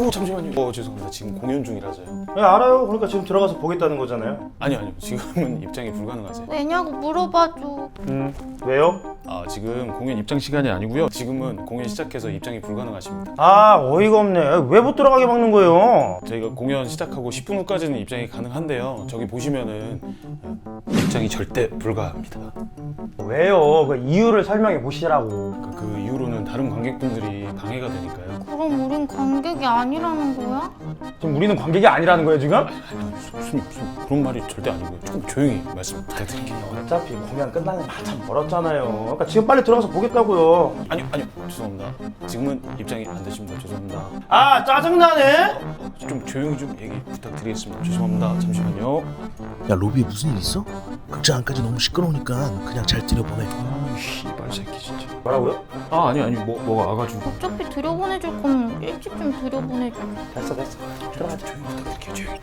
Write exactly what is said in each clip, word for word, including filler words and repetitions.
아유 잠시만요. 어 죄송합니다. 지금 공연 중이라서요. 네, 알아요. 그러니까 지금 들어가서 보겠다는 거잖아요. 아니요 아니요. 지금은 입장이 불가능하세요. 왜냐고 물어봐줘. 음, 왜요? 아 지금 공연 입장 시간이 아니고요. 지금은 공연 시작해서 입장이 불가능하십니다. 아, 어이가 없네. 왜 못 들어가게 막는 거예요? 저희가 공연 시작하고 십 분 후까지는 입장이 가능한데요. 저기 보시면은 입장이 절대 불가합니다. 왜요? 그 이유를 설명해 보시라고. 그, 그 이후로는 다른 관객분들이 방해가 되니까요. 그럼 우린 관객이 아니라는 거야? 지금 우리는 관객이 아니라는 거예요, 지금? 무슨 무슨 그런 말이 절대 아니고요. 조금 조용히 말씀 부탁드릴게요. 어차피 공연 끝나는 한참 멀었잖아요. 그러니까 지금 빨리 들어가서 보겠다고요. 아니요 아니요 죄송합니다. 지금은 입장이 안 되십니다. 죄송합니다. 아, 짜증나네. 좀 조용히 좀 얘기 부탁드리겠습니다. 죄송합니다. 잠시만요. 야 로비에 무슨 일 있어? 극장 안까지 너무 시끄러우니까 그냥 잘 들여보내. 아 씨발 새끼 진짜. 뭐라고요? 아 아니 아니 뭐 뭐가 와가지고. 어차피 들여보내줄 거면 일찍 좀 들여보내줘. 됐어, 됐어. 들어가. 조용히 부탁드릴게요. 조용히.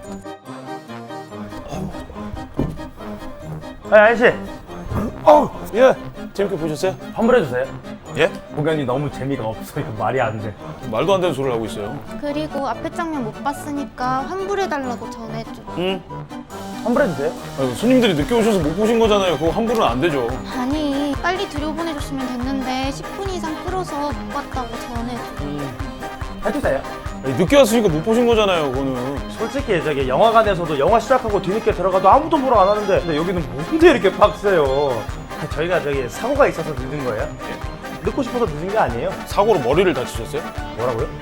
아, 아저씨. 어, 예. 재밌게 보셨어요? 환불해주세요. 예? 공연이 너무 재미가 없어. 이거 말이 안 돼. 말도 안 되는 소리를 하고 있어요. 그리고 앞에 장면 못 봤으니까 환불해달라고 전해줘. 응. 환불해주세요. 아니, 손님들이 늦게 오셔서 못 보신 거잖아요. 그거 환불은 안 되죠. 아니, 빨리 들여보내줬으면 됐는데 십 분 이상 끌어서 못 봤다고 전해줘. 해주세요. 아니, 늦게 왔으니까 못 보신 거잖아요. 그거는. 솔직히 저기 영화관에서도 영화 시작하고 뒤늦게 들어가도 아무도 보러 안 하는데 근데 여기는 뭔데 이렇게 빡세요? 저희가 저기 사고가 있어서 늦은 거예요? 늦고 싶어서 늦은 게 아니에요. 사고로 머리를 다치셨어요? 뭐라고요?